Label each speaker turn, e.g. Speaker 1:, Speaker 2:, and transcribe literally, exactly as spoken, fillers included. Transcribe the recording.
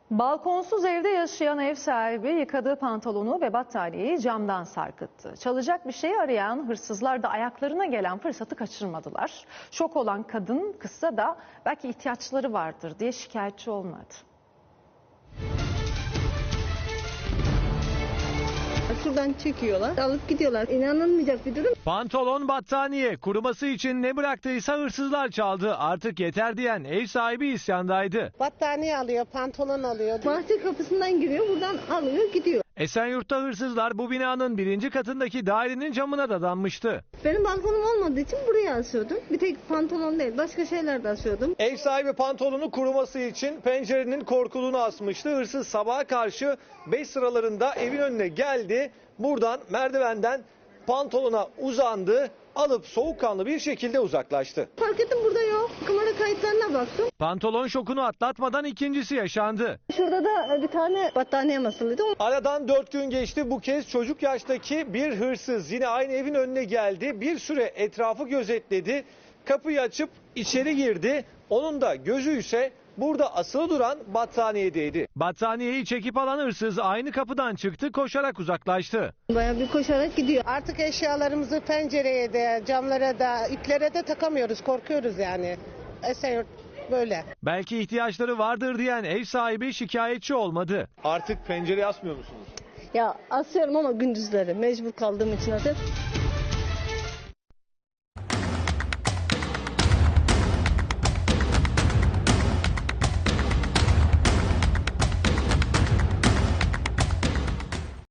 Speaker 1: Balkonsuz evde yaşayan ev sahibi yıkadığı pantolonu ve battaniyeyi camdan sarkıttı. Çalacak bir şey arayan hırsızlar da ayaklarına gelen fırsatı kaçırmadılar. Şok olan kadın kızsa da belki ihtiyaçları vardır diye şikayetçi olmadı.
Speaker 2: Şuradan çekiyorlar, alıp gidiyorlar. İnanılmayacak bir durum.
Speaker 3: Pantolon, battaniye, kuruması için ne bıraktıysa hırsızlar çaldı. Artık yeter diyen ev sahibi isyandaydı.
Speaker 4: Battaniye alıyor, pantolon alıyor.
Speaker 2: Bahçe kapısından giriyor, buradan alıyor, gidiyor.
Speaker 3: Esenyurt'ta hırsızlar bu binanın birinci katındaki dairenin camına dadanmıştı.
Speaker 2: Benim balkonum olmadığı için buraya asıyordum. Bir tek pantolon değil, başka şeyler de asıyordum.
Speaker 3: Ev sahibi pantolonu kuruması için pencerenin korkuluğunu asmıştı. Hırsız sabaha karşı beş sıralarında evin önüne geldi. Buradan merdivenden pantolona uzandı. Alıp soğukkanlı bir şekilde uzaklaştı.
Speaker 2: Fark ettim burada yok. Kamera kayıtlarına baktım.
Speaker 3: Pantolon şokunu atlatmadan ikincisi yaşandı.
Speaker 2: Şurada da bir tane battaniye asılıydı.
Speaker 3: Aradan dört gün geçti. Bu kez çocuk yaştaki bir hırsız yine aynı evin önüne geldi. Bir süre etrafı gözetledi. Kapıyı açıp içeri girdi. Onun da gözü ise burada asılı duran battaniyedeydi. Battaniyeyi çekip alan hırsız aynı kapıdan çıktı, koşarak uzaklaştı.
Speaker 2: Bayağı bir koşarak gidiyor.
Speaker 4: Artık eşyalarımızı pencereye de, camlara da, iplere de takamıyoruz. Korkuyoruz yani. Esenyurt böyle.
Speaker 3: Belki ihtiyaçları vardır diyen ev sahibi şikayetçi olmadı. Artık pencereye asmıyor musunuz?
Speaker 2: Ya asıyorum ama gündüzleri mecbur kaldığım için asıyorum.